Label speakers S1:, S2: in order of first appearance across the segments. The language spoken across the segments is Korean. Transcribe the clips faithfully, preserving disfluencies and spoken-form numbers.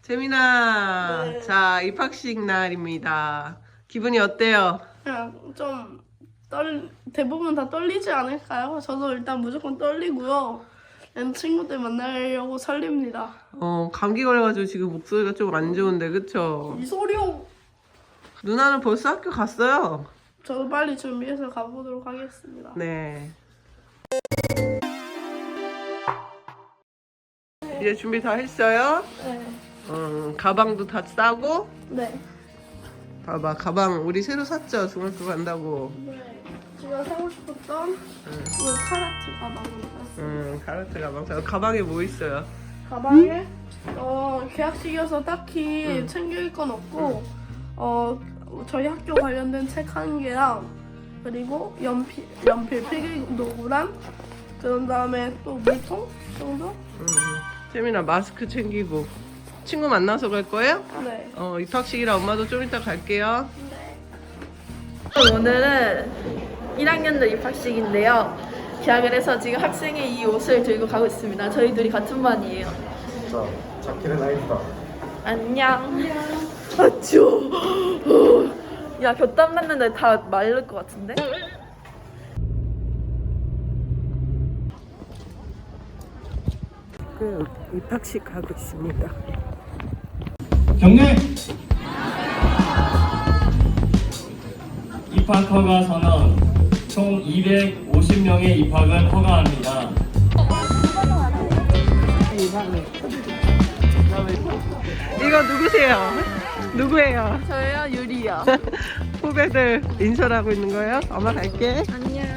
S1: 재민아,
S2: 네.
S1: 자, 입학식 날입니다. 기분이 어때요?
S2: 그냥 좀 떨, 대부분 다 떨리지 않을까요? 저도 일단 무조건 떨리고요. 그냥 친구들 만나려고 설립니다.
S1: 어, 감기 걸려가지고 지금 목소리가 좀 안 좋은데, 그쵸?
S2: 이 소리요!
S1: 누나는 벌써 학교 갔어요.
S2: 저도 빨리 준비해서 가보도록 하겠습니다.
S1: 네. 이제 준비 다 했어요?
S2: 네.
S1: 음, 가방도 다 싸고?
S2: 네.
S1: 봐봐, 가방 우리 새로 샀죠? 중학교 간다고.
S2: 네. 제가 사고 싶었던 이 카라트 가방을 샀어요.
S1: 음, 카라트 가방. 자, 가방에 뭐 있어요?
S2: 가방에 어, 계약식이어서 딱히
S1: 응.
S2: 챙길 건 없고 어, 저희 학교 관련된 책 한 개랑 그리고 연필, 연필 필기 도구랑 그런 다음에 또 물통 정도?
S1: 음, 재민아, 마스크 챙기고. 친구 만나서 갈 거예요?
S2: 네.
S1: 어, 입학식이라 엄마도 좀 이따 갈게요.
S3: 오늘은 일 학년들 입학식인데요. 계약을 해서 지금 학생의 이 옷을 들고 가고 있습니다. 저희 둘이 같은 반이에요.
S4: 자, 자켓은 나이프다.
S3: 안녕. 아 추워. 야 곁땀 났는데 다 마를 것 같은데?
S1: 그 입학식 가고 있습니다.
S5: 경례! 입학 허가 선언. 총 이백오십 명의 입학을 허가합니다.
S1: 이거 누구세요? 누구예요?
S3: 저요 유리요.
S1: 후배들 인솔하고 있는 거예요? 엄마 갈게.
S3: 안녕.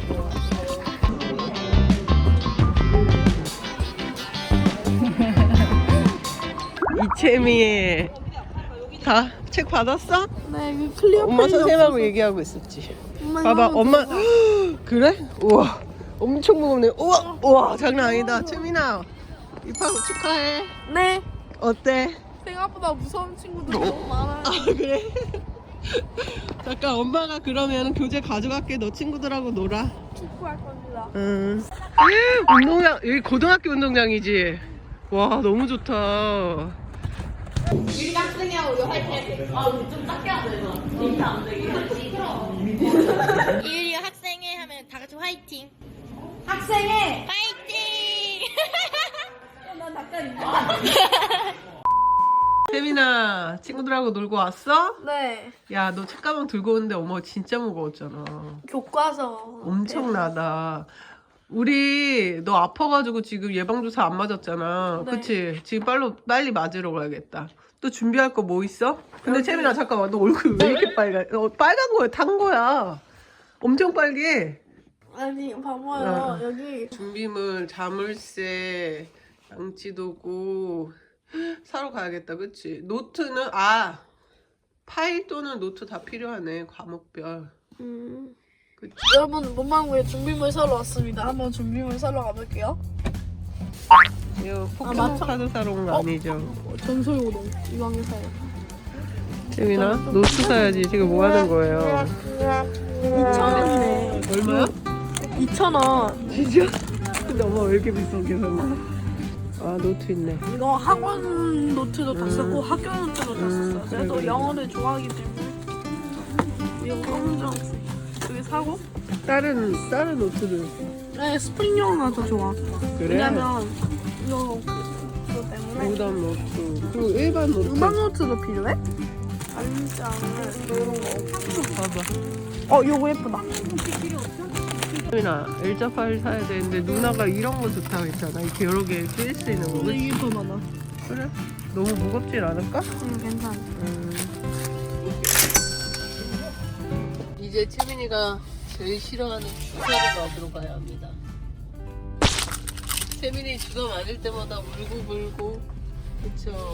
S1: 이채미의 다 책 받았어?
S2: 네, 그 클리어
S1: 엄마
S2: 페이지
S1: 선생님하고
S2: 없어서
S1: 얘기하고 있었지.
S2: 엄마
S1: 봐봐,
S2: 이거
S1: 엄마
S2: 들어봐.
S1: 그래? 우와, 엄청 무겁네. 우와, 우와, 장난 아니다. 채민아, 입학 축하해.
S2: 네.
S1: 어때?
S2: 생각보다 무서운 친구들 너무 많아요.
S1: 아 그래? 잠깐 엄마가 그러면 교재 가져갈게. 너 친구들하고 놀아.
S2: 축구할 겁니다.
S1: 응. 운동장 여기 고등학교 운동장이지. 와 너무 좋다.
S6: 이유리가 학생회 하면 다 같이 화이팅. 학생회 화이팅.
S1: 세민아 친구들하고 놀고 왔어?
S2: 네.
S1: 야 너 책가방 들고 오는데 어머 진짜 무거웠잖아.
S2: 교과서.
S1: 엄청나다. 우리 너 아파가지고 지금 예방주사 안 맞았잖아.
S2: 네.
S1: 그치? 지금 빨리 빨리 맞으러 가야겠다. 또 준비할 거 뭐 있어? 근데
S2: 여기-
S1: 채민아 잠깐만 너 얼굴 왜 이렇게 빨간? 어, 빨간 거야 탄 거야. 엄청 빨개.
S2: 아니 봐봐요.
S1: 어.
S2: 여기
S1: 준비물, 자물쇠, 양치도구 사러 가야겠다. 그치? 노트는 아 파일 또는 노트 다 필요하네. 과목별.
S2: 음.
S1: 그치?
S2: 여러분 문방구에 준비물 사러 왔습니다. 한번 준비물 사러 가볼게요.
S1: 이거
S2: 아,
S1: 포켓몬
S2: 맞춰.
S1: 카드 사러 온 거
S2: 어?
S1: 아니죠?
S2: 어, 전설고동 이왕에 사요.
S1: 재민아 노트 사야지. 지금 뭐 하는 거예요?
S2: 이천 원이네.
S1: 얼마야?
S2: 이천 원.
S1: 진짜? 근데 엄마 왜 이렇게 비싸게 샀나? 아 노트 있네.
S2: 이거 학원 노트도 다 썼고 학교 노트도 다
S1: 음,
S2: 썼어요.
S1: 그래,
S2: 그래도
S1: 그래.
S2: 영어를 좋아하기 때문에 이거 검정 여기 사고.
S1: 다른 다른 노트도
S2: 네 스프링 영어가 더 좋아.
S1: 그래?
S2: 왜냐면 이거 그거 때문에
S1: 무단 노트 그리고 일반 노트
S2: 음악 노트도 필요해? 안장을 이런 거.
S1: 봐봐.
S2: 어 요거 예쁘다.
S1: 재민아 일자 파일 사야 되는데 누나가 이런 거 좋다고 했잖아. 이렇게 여러 개 쓰일 수 있는 거.
S2: 근데
S1: 그치?
S2: 이게 더 많아.
S1: 그래? 너무 무겁진 않을까?
S2: 응 괜찮아.
S1: 음. 이제 채민이가 제일 싫어하는 주사를 맞으러 가야 합니다. 채민이 주사 맞을 때마다 울고 불고 그쵸?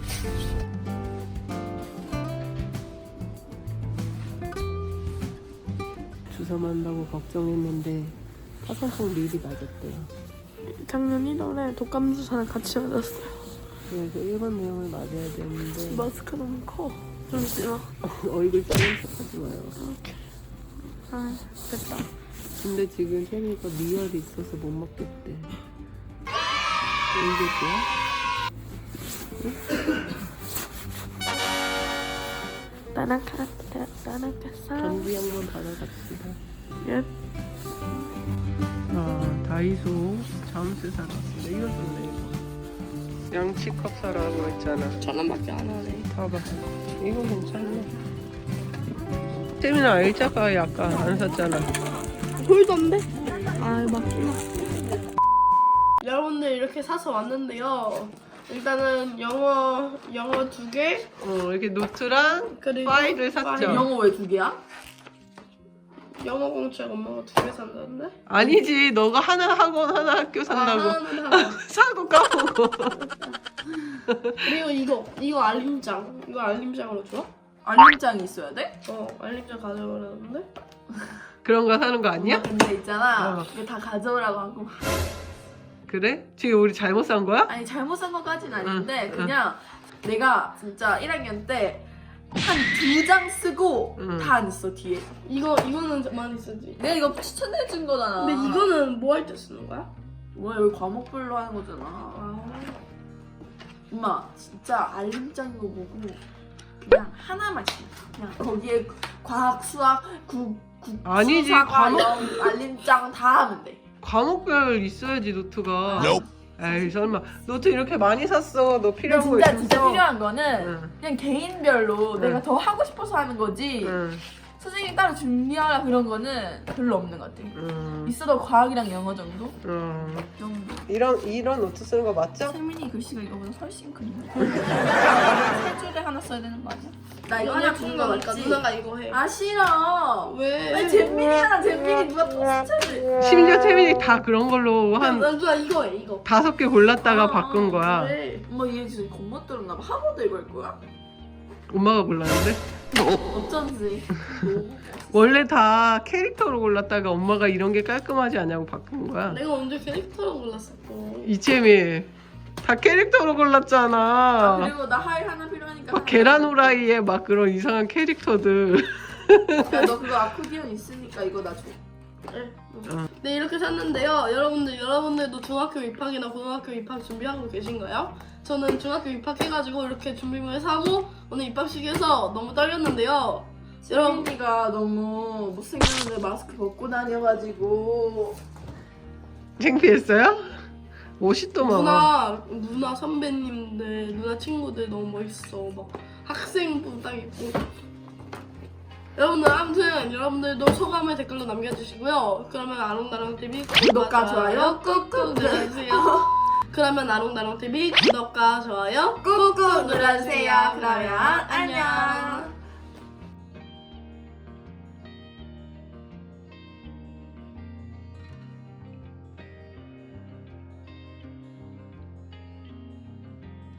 S1: 주사 맞는다고 걱정했는데 파상풍 미리 맞았대요.
S2: 작년 일월에 독감 주사를 같이 맞았어요.
S1: 그래서 일반 내용을 맞아야 되는데
S2: 마스크 너무 커. 잠시만.
S1: 얼굴 작은 척하지 마요.
S2: 아 됐다.
S1: 근데 지금 채미가 미열이 있어서 못 먹겠대. 왜 이랬대요? 응?
S2: 따나카라따 따나카사.
S1: 전기 양문 받아갑시다.
S2: 예.
S1: 아, 다이소 잠수 사러 왔습니다. 이거 좋네, 이거. 양치컵 사라고 했잖아.
S2: 천 원밖에 안 하네.
S1: 봐봐. 이거 괜찮네. 세민아, 일자가 약간 안 샀잖아.
S2: 홀던데? 아 맞구나. 여러분들 이렇게 사서 왔는데요. 일단은 영어 영어 두 개,
S1: 어, 이렇게 노트랑
S2: 그리고
S1: 파일을 샀죠.
S2: 파일.
S3: 영어 왜 두 개야?
S2: 영어 공책 엄마가 두 개 산다는데?
S1: 아니지, 너가 하나 학원 하나 학교 산다고.
S2: 아, 하나는 하나.
S1: 사고 까먹어.
S2: 그리고 이거 이거 알림장. 이거 알림장으로 줘?
S3: 알림장이 있어야 돼?
S2: 어 알림장 가져오라는데?
S1: 그런 거 사는 거 아니야?
S3: 엄마 근데 있잖아.
S1: 어.
S3: 이거 다 가져오라고 하고.
S1: 그래? 지금 우리 잘못 산 거야?
S3: 아니 잘못 산 것까지는 아닌데
S1: 응,
S3: 그냥 내가 진짜 일 학년 때 한 두 장 쓰고
S1: 응.
S3: 다 안 있어 뒤에.
S2: 이거 이거는 많이 쓰지.
S3: 내가 이거 추천해준 거잖아.
S2: 근데 이거는 뭐 할 때 쓰는 거야?
S3: 뭐야 여기 과목별로 하는 거잖아.
S2: 아,
S3: 엄마 진짜 알림장이고 뭐고 그냥 하나만 써. 그냥 거기에 과학, 수학, 국, 국,
S1: 아니지,
S3: 수사과,
S1: 과목-
S3: 영, 알림장 다 하면 돼.
S1: 과목별 있어야지, 노트가. 에이, 설마. 노트 이렇게 많이 샀어. 너
S3: 근데
S1: 필요한 거
S3: 진짜
S1: 있어?
S3: 진짜 필요한 거는
S1: 응.
S3: 그냥 개인별로
S1: 응.
S3: 내가 더 하고 싶어서 하는 거지.
S1: 응.
S3: 선생님 따로 준비하라 그런 거는 별로 없는 것 같아.
S1: 응.
S3: 있어도 과학이랑 영어 정도?
S1: 응.
S3: 정도.
S1: 이런, 이런 노트 쓰는 거 맞죠?
S3: 세민이 글씨가 이거보다 훨씬 큰데. 세 줄에 하나 써야 되는 거 아니야? 나 이거 하나 준거
S2: 그러니까
S3: 맞지?
S2: 누나가 이거 해.
S3: 아 싫어.
S2: 왜?
S3: 아니 잼민이잖아. 잼민이 누가 또 추천해?
S1: 심지어 태민이 다 그런 걸로
S2: 한...
S1: 한
S2: 나 누나 이거 해 이거.
S1: 다섯 개 골랐다가
S3: 아,
S1: 바꾼 거야.
S2: 그래.
S3: 엄마 얘 진짜 겁못 들었나 봐. 학원도 이거 할 거야?
S1: 엄마가 골랐는데?
S3: 어쩐지.
S1: 원래 다 캐릭터로 골랐다가 엄마가 이런 게 깔끔하지 않냐고 바꾼 거야.
S2: 내가 언제 캐릭터로 골랐었고.
S1: 이채미 다 캐릭터로
S3: 아,
S1: 골랐잖아.
S3: 그리고 나 하이 하나 필요하니까.
S1: 막 계란 후라이에 막 그런 이상한 캐릭터들.
S3: 야, 너 그거 아코디언 있으니까 이거 나 줘.
S2: 네.
S1: 어.
S2: 네 이렇게 샀는데요. 여러분들 여러분들도 중학교 입학이나 고등학교 입학 준비하고 계신가요? 저는 중학교 입학해가지고 이렇게 준비물 사고 오늘 입학식에서 너무 떨렸는데요. 여러분
S3: 세민이가 너무 못생겼는데 마스크 벗고 다녀가지고.
S1: 창피했어요? 옷이 또 많아.
S2: 누나 누나 선배님들 누나 친구들 너무 멋있어. 막 학생부 딱 입고. 여러분들 아무튼 여러분들도 소감을 댓글로 남겨주시고요. 그러면 아롱다롱티비
S3: 구독과 좋아요 꾹꾹
S2: 눌러주세요. 그러면 아롱다롱티비 구독과 좋아요
S3: 꾹꾹 눌러주세요. 그러면 안녕.